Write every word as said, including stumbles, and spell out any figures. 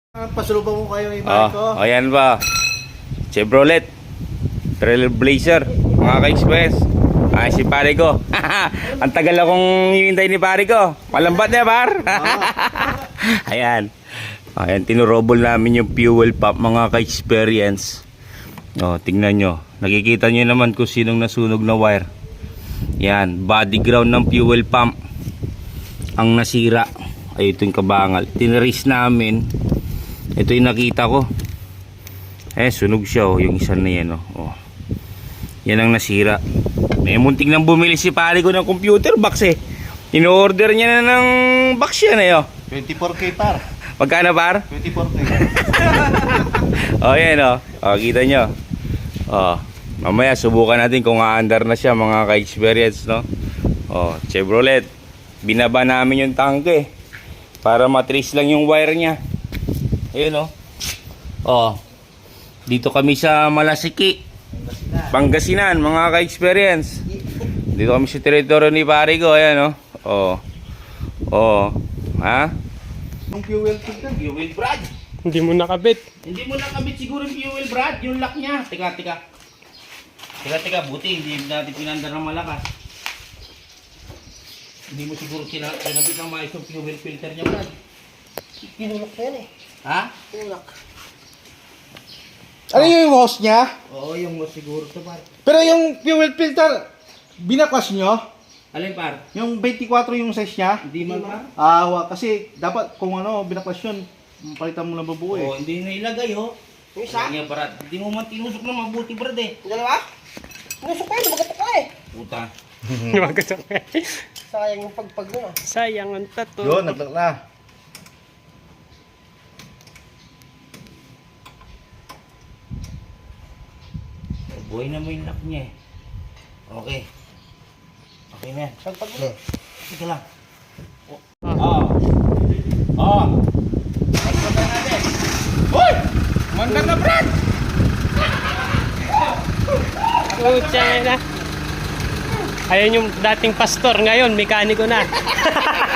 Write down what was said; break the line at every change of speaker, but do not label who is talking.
Pasalubong mo kayo yung
Oh,
ko.
oh, yan ba? Chevrolet Trailblazer, mga ka-express. Ay, si pare ko. Ang tagal akong hinihintay ni pare ko. Malambat na, par. Ayan. Ayan, tinurobol namin yung fuel pump, mga ka-experience. Oh, tingnan nyo. Nakikita nyo naman kung sinong nasunog na wire. Yan, body ground ng fuel pump ang nasira. Ay, ito yung kabangal. Tinaris namin. Ito yung nakita ko. Eh, sunog siya, oh. Yung isa na yan, oh. Oh. Yan ang nasira. May munting nang bumili si pare ko ng computer box, eh. In-order niya na ng box yan, eh, oh.
twenty-four K par.
Magkano, par?
twenty-four K.
Oh, yan, oh. Oh, kita nyo. Oh. Mamaya, subukan natin kung aandar na siya, mga ka-experience, no? Oh, Chevrolet. Binaba namin yung tangke para matrace lang yung wire niya. Ayun, oh. Oh. Dito kami sa Malasiki, Pangasinan, mga ka-experience. Dito kami sa teritoryo ni pare ko. Ayan, oh. Oh. Oh. Ha?
Yung fuel filter.
Fuel brad.
Hindi mo nakabit.
Hindi mo nakabit siguro yung fuel brad, yung lock niya. Teka, teka. Teka, teka. Buti, hindi natin pinandar ng malakas. Hindi mo siguro sila pinabit ng maayos yung fuel filter niya, brad.
Pinulak na yan eh.
Ha?
Pinulak.
Ano yung hose niya?
Oo, yung mo siguro to, par.
Pero yung fuel filter, binakwas nyo?
Alin, par?
Yung twenty-four yung size niya?
Hindi man, par?
Ah, wa- kasi dapat kung ano, binakwas yun, palitan mo ng babuo
Oo,
eh.
hindi na ilagay, oh.
Yung isa?
Kanya, brad. Hindi mo man tinusok na mabuti, brad, eh.
Yung dalawa? Pinusok ko yun, lumagat ka eh.
Puta.
Sayang yung pagpag nun ah.
Sayang ang tato.
Yun, naglak na.
Buhay na mo yung lock niya, eh. Okay. Okay na yan.
Pagpag nun.
Sige lang. Oh. Oh. Pagpagay natin. Hoy! Mandar na, brad!
Pucha na. Ayun yung dating pastor, ngayon mekaniko na.